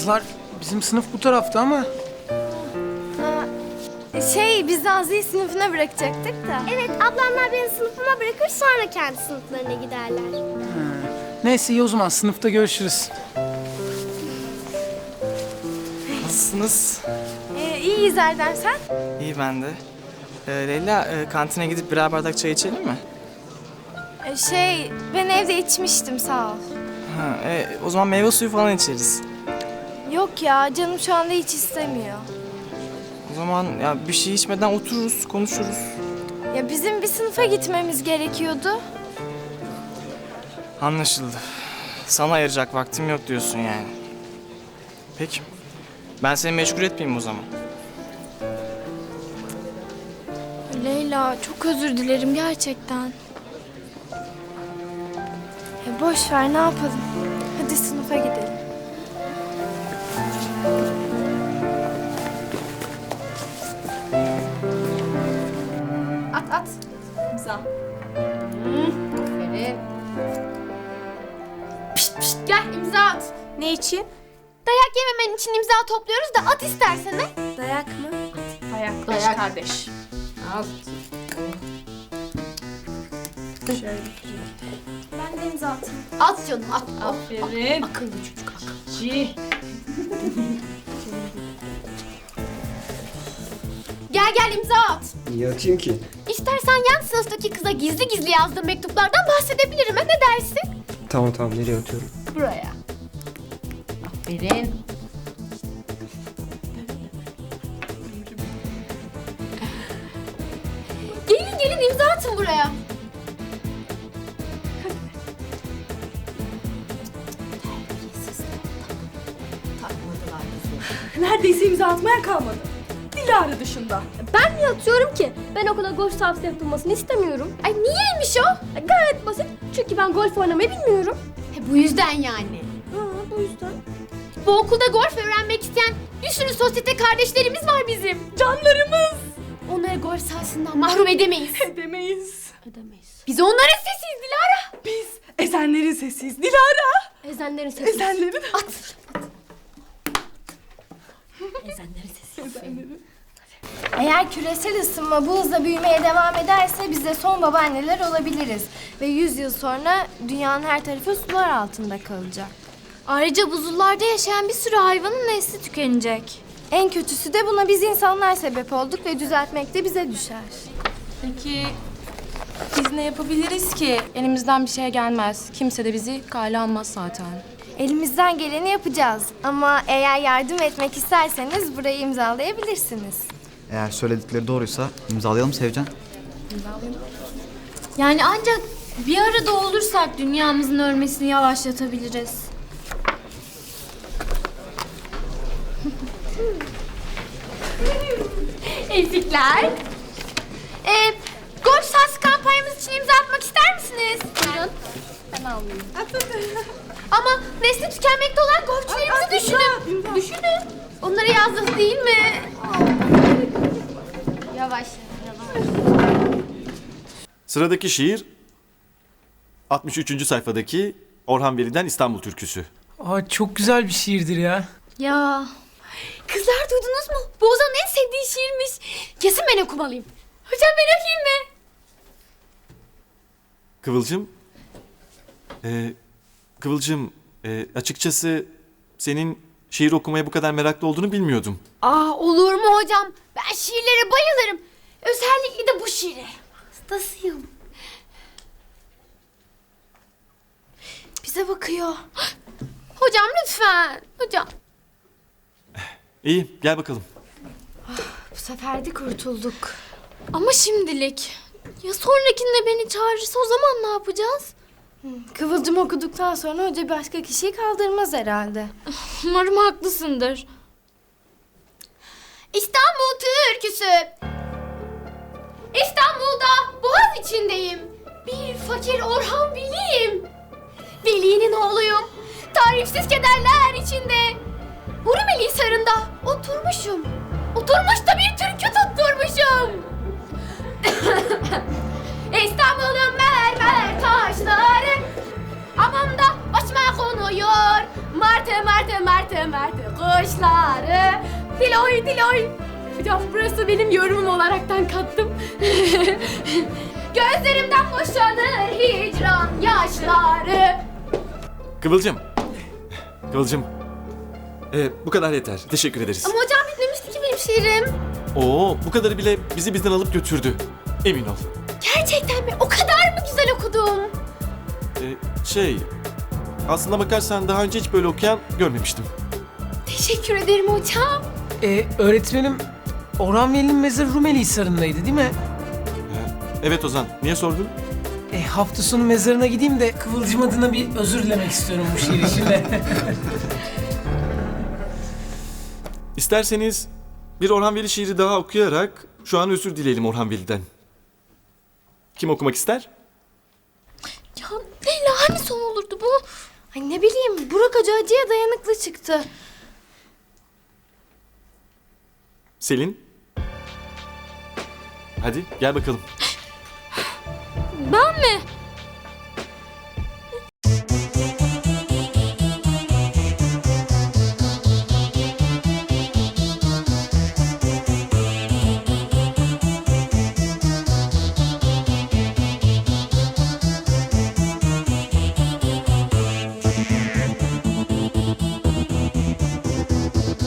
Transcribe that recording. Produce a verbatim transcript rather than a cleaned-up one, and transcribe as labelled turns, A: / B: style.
A: Kızlar bizim sınıf bu tarafta ama.
B: Şey, biz Nazlı'yı sınıfına bırakacaktık da.
C: Evet, ablamlar beni sınıfıma bırakır, sonra kendi sınıflarına giderler.
A: Ha. Neyse iyi o zaman sınıfta görüşürüz.
D: Nasılsınız?
B: Ee, iyiyiz Erdem, sen?
D: İyi ben de. Ee, Leyla, e, kantine gidip birer bardak çay içelim mi?
B: Ee, şey, ben evde içmiştim, sağ ol.
D: Ha, e, o zaman meyve suyu falan içeriz.
B: Yok ya, canım şu anda hiç istemiyor.
D: O zaman ya bir şey içmeden otururuz, konuşuruz.
B: Ya bizim bir sınıfa gitmemiz gerekiyordu.
D: Anlaşıldı. Sana ayıracak vaktim yok diyorsun yani. Peki. Ben seni meşgul etmeyeyim o zaman.
B: Leyla, çok özür dilerim gerçekten. Ya boş ver, ne yapalım? Hadi sınıfa gidelim.
E: At at. İmza. Aferin. Pişt pişt gel imza at.
C: Ne için?
E: Dayak yememen için imza topluyoruz da at istersen he.
B: Dayak mı?
E: Dayak, dayak kardeş. Al.
B: Ben de imza atayım.
E: At canım at. Aferin. Akıllı çocuk akıllı. Gel gel imza at.
F: Niye atayım ki?
E: İstersen yan sınıftaki kıza gizli gizli yazdığım mektuplardan bahsedebilirim. Ha, ne dersin?
F: Tamam tamam nereye atıyorum?
E: Buraya. Aferin. Gelin gelin imza atın buraya.
G: Neredeyse imza atmaya kalmadı. Dilara dışında.
C: Ben niye atıyorum ki? Ben okula golf sahası yapılmasını istemiyorum.
E: Ay niyeymiş o?
C: Gayet basit. Çünkü ben golf oynamayı bilmiyorum.
E: He, bu yüzden yani.
C: Ha, bu yüzden.
E: Bu okulda golf öğrenmek isteyen bir sürü sosyete kardeşlerimiz var bizim.
G: Canlarımız.
E: Onları golf sahasından mahrum edemeyiz.
G: Edemeyiz.
C: Edemeyiz.
E: Biz onların sesiyiz Dilara.
G: Biz ezenlerin sesiyiz. Dilara.
C: Ezenlerin sesi.
G: Ezenlerin.
E: At.
C: Ezenlerin sesi.
B: Eğer küresel ısınma bu hızla büyümeye devam ederse biz de son babaanneler olabiliriz. Ve yüz yıl sonra dünyanın her tarafı sular altında kalacak.
H: Ayrıca buzullarda yaşayan bir sürü hayvanın nesli tükenecek.
B: En kötüsü de buna biz insanlar sebep olduk ve düzeltmek de bize düşer.
I: Peki biz ne yapabiliriz ki? Elimizden bir şey gelmez. Kimse de bizi kale almaz zaten.
B: Elimizden geleni yapacağız. Ama eğer yardım etmek isterseniz burayı imzalayabilirsiniz.
J: Eğer söyledikleri doğruysa imzalayalım Sevcan.
H: Yani ancak bir arada olursak dünyamızın ölmesini yavaşlatabiliriz.
E: Ezikler. Ee, golf sahası kampanyamız için imza atmak ister misiniz? Buyurun. Ben almayayım. Ama nesli tükenmekte olan golfçülerimizi düşünün. Düşünün. Onlara yazdık değil mi? Yavaş.
K: Sıradaki şiir altmış üçüncü sayfadaki Orhan Veli'den İstanbul Türküsü.
A: Aa, çok güzel bir şiirdir ya.
H: Ya
E: Kızlar duydunuz mu? Bu Ozan'ın en sevdiği şiirmiş. Kesin ben okumalıyım. Hocam ben okuyayım mı?
K: Kıvılcım, e, Kıvılcım e, açıkçası senin şiir okumaya bu kadar meraklı olduğunu bilmiyordum.
E: Aa, olur mu hocam? Ben şiirlere bayılırım. Özellikle de bu şiire. Hastasıyım. Bize bakıyor. Hocam lütfen. Hocam.
K: İyi, gel bakalım.
B: Bu sefer de kurtulduk.
H: ama şimdilik. Ya sonrakinde beni çağırırsa o zaman ne yapacağız?
B: Kıvılcım okuduktan sonra hoca başka kişiyi kaldırmaz herhalde.
H: Umarım haklısındır.
E: İstanbul türküsü. İstanbul'da Boğaz içindeyim. Bir fakir Orhan Veli'yim. Veli'nin oğluyum. Tarifsiz kederler içinde. Hurmeli Hisarı'nda oturmuşum. Oturmuş da bir türkü tutturmuşum. İstanbul'un mermer taşları hamamda başıma konuyor. Martı martı martı martı kuşları. Diloy diloy. Hocam burası benim yorumum olaraktan kattım. Gözlerimden boşanır hicran yaşları.
K: Kıvılcım. Kıvılcım. Ee, bu kadar yeter. Teşekkür ederiz.
E: Ama hocam bitmemişti ki benim şiirim.
K: Oo, bu kadarı bile bizi bizden alıp götürdü. Emin ol.
E: Gerçekten mi? O kadar mı güzel okudum?
K: Ee, şey, aslına bakarsan daha önce hiç böyle okuyan görmemiştim.
E: Teşekkür ederim hocam.
A: Ee, öğretmenim Orhan Veli'nin mezarı Rumeli Hisarı'ndaydı değil mi?
K: Evet Ozan, niye sordun?
A: E, hafta sonu mezarına gideyim de Kıvılcım adına bir özür dilemek istiyorum bu şiir için de.
K: İsterseniz bir Orhan Veli şiiri daha okuyarak şu an özür dileyelim Orhan Veli'den. Kim okumak ister?
H: Ya Leyla hani son olurdu bu?
B: Ay ne bileyim Burak Hoca acıya dayanıklı çıktı.
K: Selin? Hadi gel bakalım.
H: Ben mi?